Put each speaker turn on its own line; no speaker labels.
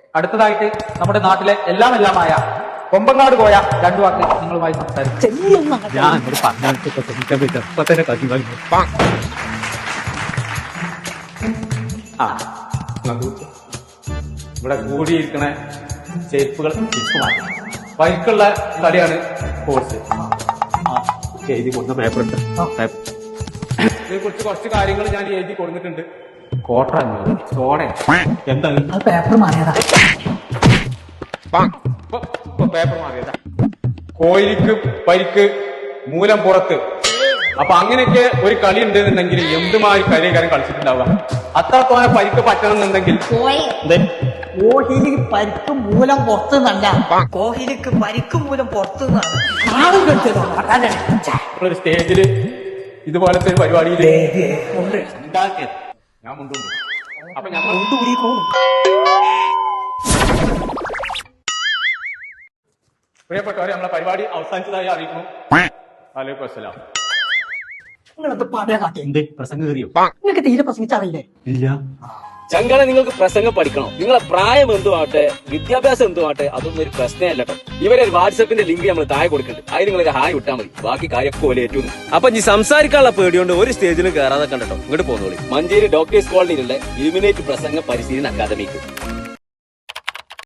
അടുത്തതായിട്ട് നമ്മുടെ നാട്ടിലെ എല്ലാമായ കൊമ്പങ്ങാട് പോയ രണ്ടു വാക്ക് നിങ്ങളുമായി സംസാരിക്കും. ഇവിടെ കൂടിയിരിക്കണ ചെരുപ്പുകൾ മാറ്റി ബൈക്കുള്ള കളിയാണ് കോഴ്സ്. എഴുതി കൊടുത്ത പേപ്പർ ഉണ്ട്. ഇതിനെ കുറിച്ച് കുറച്ച് കാര്യങ്ങൾ ഞാൻ എഴുതി കൊടുത്തിട്ടുണ്ട്. കോട്ട സോഡ എന്താണ്
പേപ്പർ മാറിയതാ.
പേപ്പർ മാറിയതാ. കോയിലിക്ക് പരിക്ക് മൂലം പുറത്ത്. അപ്പൊ അങ്ങനെയൊക്കെ ഒരു കളി ഉണ്ടെന്നുണ്ടെങ്കിൽ എന്തുമായി കളിക്കാരൻ കളിച്ചിട്ടുണ്ടാവുക. അത്രത്തോനെ പരിക്ക് പറ്റണമെന്നുണ്ടെങ്കിൽ
കോഹ്ലിക്ക് പരിക്ക് മൂലം പുറത്തുനിന്നല്ല, കോഹ്ലിക്ക് പരിക്ക് മൂലം പുറത്തുനിന്നാണ്.
ഒരു സ്റ്റേജില് ഇതുപോലത്തെ ഒരു പരിപാടിയിൽ ഉണ്ടാക്കിയത് ഞാൻ മുണ്ടുണ്ട്. അപ്പൊ ഞങ്ങൾ പ്രിയപ്പെട്ടവരെ നമ്മളെ പരിപാടി അവസാനിച്ചതായി അറിയിക്കുന്നു. വലൈക്കും അസ്സലാം. പ്രസംഗം കയറിയോ?
നിങ്ങൾക്ക് തീരെ പ്രസംഗിച്ചറിയില്ലേ?
ഇല്ല.
ചങ്കളെ നിങ്ങൾക്ക് പ്രസംഗം പഠിക്കണം. നിങ്ങളെ പ്രായം എന്തുമാട്ടെ, വിദ്യാഭ്യാസം എന്തുമാട്ടെ, അതൊന്നും ഒരു പ്രശ്നമല്ല കേട്ടോ. ഇവരെ വാട്സപ്പിന്റെ ലിങ്ക് നമ്മൾ താഴെ കൊടുക്കുന്നുണ്ട്. അതിന് നിങ്ങൾക്ക് ഹായ് വിട്ടാൽ മതി. ബാക്കി കാര്യമൊക്കെ പോലെ ഏറ്റുന്നു. അപ്പൊ ഈ സംസാരിക്കാനുള്ള പേടിയോണ്ട് ഒരു സ്റ്റേജിലും കയറാതെ കണ്ടോ. ഇങ്ങോട്ട് പോകുന്നോളി. മഞ്ചേരി ഡോക്ടേഴ്സ് കോളനിയിലുള്ള ഇലുമിനേറ്റ് പ്രസംഗ പരിശീലന അക്കാദമിക്ക്.